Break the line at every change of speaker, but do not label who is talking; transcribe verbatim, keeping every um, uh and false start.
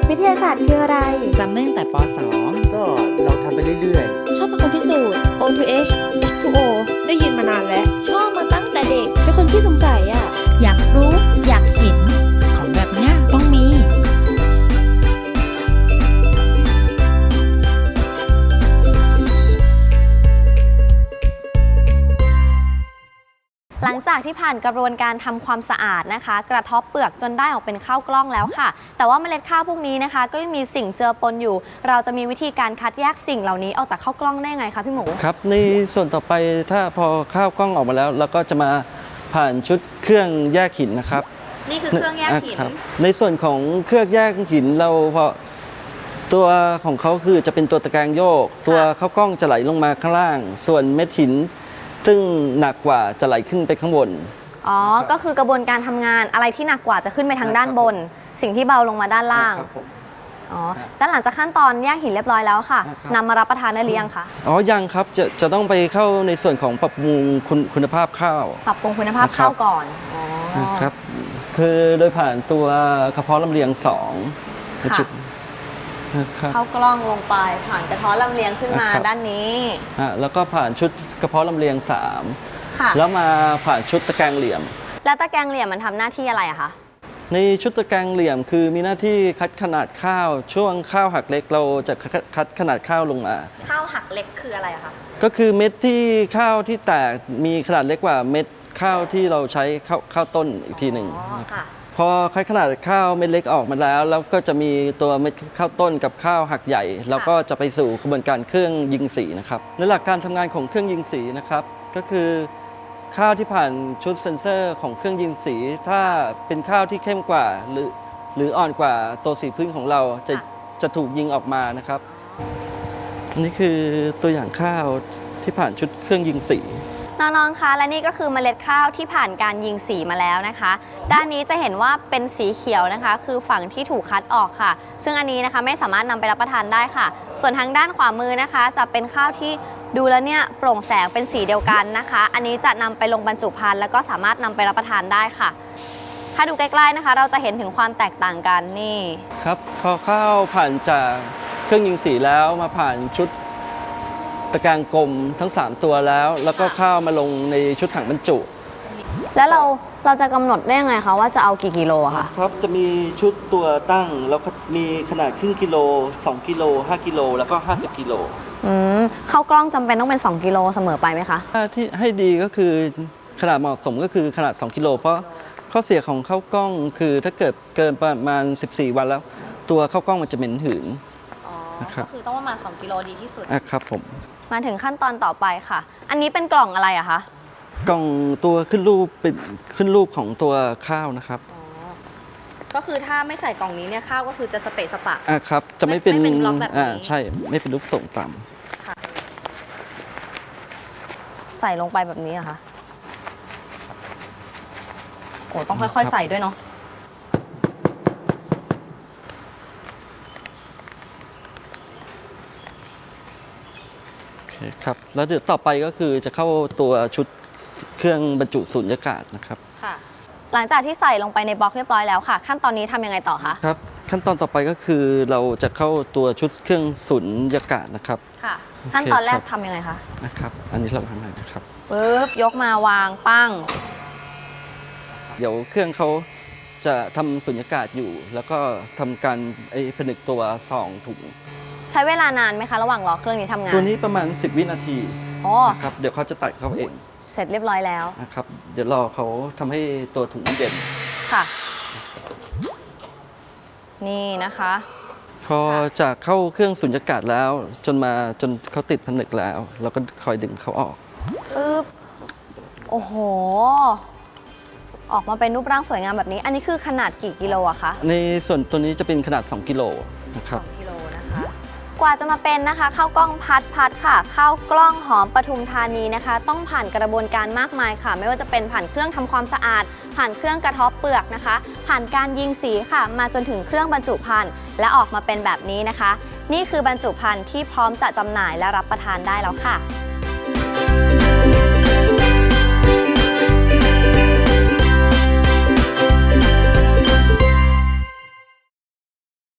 วิทยาศาสตร์คืออะไร
จำได้ตั้งแต่ป สอง
ก็เราทำไปเรื่อย
ๆชอบเป็นคนพิสูจน์ โอ ทู เอช เอช ทู โอ
ได้ยินมานานแล้ว
ชอบมาตั้งแต่เด็กเป็นคนที่สงสัยอ่ะ
อยากรู้อยากเห็น
ของแบบเนี้ยต้องมี
หลังจากที่ผ่านกระบวนการทำความสะอาดนะคะกระเทาะเปลือกจนได้ออกเป็นข้าวกล้องแล้วค่ะแต่ว่าเมล็ดข้าวพวกนี้นะคะก็ยังมีสิ่งเจือปนอยู่เราจะมีวิธีการคัดแยกสิ่งเหล่านี้ออกจากข้าวกล้องได้ไงคะพี่หมู
ครับในส่วนต่อไปถ้าพอข้าวกล้องออกมาแล้วเราก็จะมาผ่านชุดเครื่องแยกหินนะครับ
นี่คือเครื่องแยกหิน
ในส่วนของเครื่องแยกหินเราพอตัวของเขาคือจะเป็นตัวตะแกรงโยกตัวข้าวกล้องจะไหลลงมาข้างล่างส่วนเม็ดหินซึ่งหนักกว่าจะไหลขึ้นไปข้างบน
อ๋อก็คือกระบวนการทำงานอะไรที่หนักกว่าจะขึ้นไปทางด้านบนสิ่งที่เบาลงมาด้านล่างอ๋อด้านหลังจากขั้นตอนแยกหินเรียบร้อยแล้วค่ะนำมารับประทานได้หรือยังคะ
อ๋อยังครับจะจะต้องไปเข้าในส่วนของปรับปรุงคุณคุณภาพข้าว
ปรับปรุงคุณภาพข้าวก่อนอ๋อ
ครับคือโดยผ่านตัวกระเพาะลำเลียงสอง
ค่ะเข้ากล้องลงไปผ่านกระเทาะลำเลียงขึ้นมาด้านนี้
แล้วก็ผ่านชุดกระเพาะลำเลียงสามแล้วมาผ่านชุดตะแกรงเหลี่ยม
แล้วตะแกรงเหลี่ยมมันทำหน้าที่อะไรอะคะ
ในชุดตะแกรงเหลี่ยมคือมีหน้าที่คัดขนาดข้าวช่วงข้าวหักเล็กเราจะคัดขนาดข้าวลงมา
ข้าวหักเล็กคืออะไรอะคะ
ก็คือเม็ดที่ข้าวที่แตกมีขนาดเล็กกว่าเม็ดข้าวที่เราใช้ข้าวข้าวต้นอีกทีหนึ่งพอคัดขนาดข้าวเม็ดเล็กออกมาแล้วแล้วก็จะมีตัวเม็ดข้าวต้นกับข้าวหักใหญ่แล้วก็จะไปสู่กระบวนการเครื่องยิงสีนะครับในหลักการทำงานของเครื่องยิงสีนะครับก็คือข้าวที่ผ่านชุดเซ็นเซอร์ของเครื่องยิงสีถ้าเป็นข้าวที่เข้มกว่าหรือหรืออ่อนกว่าตัวสีพื้นของเราจะจะถูกยิงออกมานะครับนี่คือตัวอย่างข้าวที่ผ่านชุดเครื่องยิงสี
น้องๆคะและนี่ก็คือเมล็ดข้าวที่ผ่านการยิงสีมาแล้วนะคะด้านนี้จะเห็นว่าเป็นสีเขียวนะคะคือฝั่งที่ถูกคัดออกค่ะซึ่งอันนี้นะคะไม่สามารถนำไปรับประทานได้ค่ะส่วนทางด้านขวามือนะคะจะเป็นข้าวที่ดูแล้วเนี่ยโปร่งแสงเป็นสีเดียวกันนะคะอันนี้จะนำไปลงบรรจุภัณฑ์แล้วก็สามารถนำไปรับประทานได้ค่ะถ้าดูใกล้ๆนะคะเราจะเห็นถึงความแตกต่างกันนี่
ครับพอข้าวผ่านจากเครื่องยิงสีแล้วมาผ่านชุดตะแกรงกลมทั้งสามตัวแล้วแล้วก็ข้าวมาลงในชุดถังบรรจุ
แล้วเราเราจะกำหนดได้ยังไงคะว่าจะเอากี่กิโลคะ
ครับจะมีชุดตัวตั้งแล้วก็มีขนาดครึ่งกิโลสองกิโลห้ากิโลแล้วก็ห้าสิบกิโล
อืมข้าวกล้องจำเป็นต้องเป็นสองกิโลเสมอไปไหมคะ
ที่ให้ดีก็คือขนาดเหมาะสมก็คือขนาดสองกิโลเพราะข้อเสียของข้าวกล้องคือถ้าเกิดเกินประมาณสิบสี่วันแล้วตัวข้าวกล้องมันจะเหม็นหืน
อ๋อก็คือต้องประมาณสองกิโลดีที่สุด
อ่ะครับผม
มาถึงขั้นตอนต่อไปค่ะอันนี้เป็นกล่องอะไรอะคะ
กล่องตัวขึ้นรูปเป็นขึ้นรูปของตัวข้าวนะครับ
อ๋อก็คือถ้าไม่ใส่กล่องนี้เนี่ยข้าวก็คือจะสเปะสปะ
อ่ะครับจะไม่เป็น
ไม่เป็นล็อกแบบนี้
อ่าใช่ไม่เป็นรูปทรงต่
ำค่ะใส่ลงไปแบบนี้อะคะโอ้ต้องค่อยๆใส่ด้วยเนาะ
ครับแล้วเดี๋ยวต่อไปก็คือจะเข้าตัวชุดเครื่องบรรจุสุญญากาศนะครับ
ค่ะหลังจากที่ใส่ลงไปในบล็อกเรียบร้อยแล้วค่ะขั้นตอนนี้ทำยังไงต่อคะ
ครับขั้นตอนต่อไปก็คือเราจะเข้าตัวชุดเครื่องสุญญากาศนะครับ
ค่ะขั้นตอนแรกทำยังไงคะ
นะครับอันนี้เราทำอะไรนะครับ
ปึ๊บยกมาวางปั้ง
เดี๋ยวเครื่องเขาจะทำสุญญากาศอยู่แล้วก็ทำการไอ้ผนึกตัวซองถุง
ใช้เวลานานไหมคะระหว่างรอเครื่องนี้ทำงาน
ตัวนี้ประมาณสิบวินาที
อ๋อ
นะครับเดี๋ยวเขาจะตัดเขาเอง
เสร็จเรียบร้อยแล้ว
นะครับเดี๋ยวรอเขาทำให้ตัวถุงเย็น
ค่ะนี่นะคะ
พอจากเข้าเครื่องสุญญากาศแล้วจนมาจนเขาติดผนึกแล้วเราก็คอยดึงเขาออก
ปึ๊บโอ้โหออกมาเป็นรูปร่างสวยงามแบบนี้อันนี้คือขนาดกี่กิโลอะคะ
ในส่วนตัวนี้จะเป็นขนาดสองกิโลนะครับ
กว่าจะมาเป็นนะคะข้าวกล้องพัดพัดค่ะข้าวกล้องหอมปทุมธานีนะคะต้องผ่านกระบวนการมากมายค่ะไม่ว่าจะเป็นผ่านเครื่องทำความสะอาดผ่านเครื่องกระเทาะเปลือกนะคะผ่านการยิงสีค่ะมาจนถึงเครื่องบรรจุภัณฑ์และออกมาเป็นแบบนี้นะคะนี่คือบรรจุภัณฑ์ที่พร้อมจะจำหน่ายและรับประทานได้แล้วค่ะ